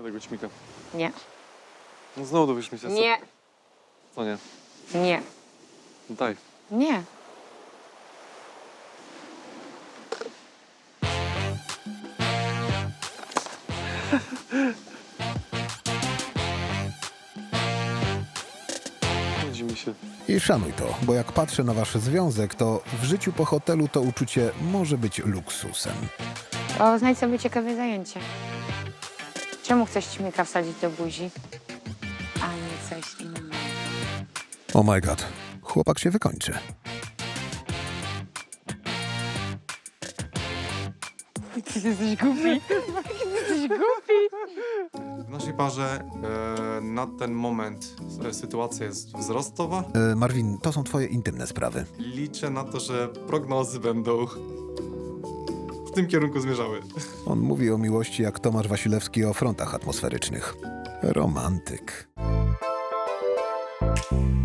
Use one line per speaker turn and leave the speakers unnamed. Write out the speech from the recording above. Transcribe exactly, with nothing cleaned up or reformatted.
tego ćmika.
Nie.
No znowu dowiesz mi się.
Nie.
Co nie?
Nie.
No daj.
Nie.
Nudzi mi się.
I szanuj to, bo jak patrzę na wasz związek, to w życiu po hotelu to uczucie może być luksusem.
O, znajdź sobie ciekawe zajęcie. Czemu chcesz ćmika wsadzić do buzi, a nie coś innego?
Oh my god, chłopak się wykończy.
Ty jesteś głupi. Jesteś głupi.
W naszej parze e, na ten moment e, sytuacja jest wzrostowa.
E, Marvin, to są twoje intymne sprawy.
Liczę na to, że prognozy będą w tym kierunku zmierzały.
On mówi o miłości jak Tomasz Wasilewski o frontach atmosferycznych. Romantyk.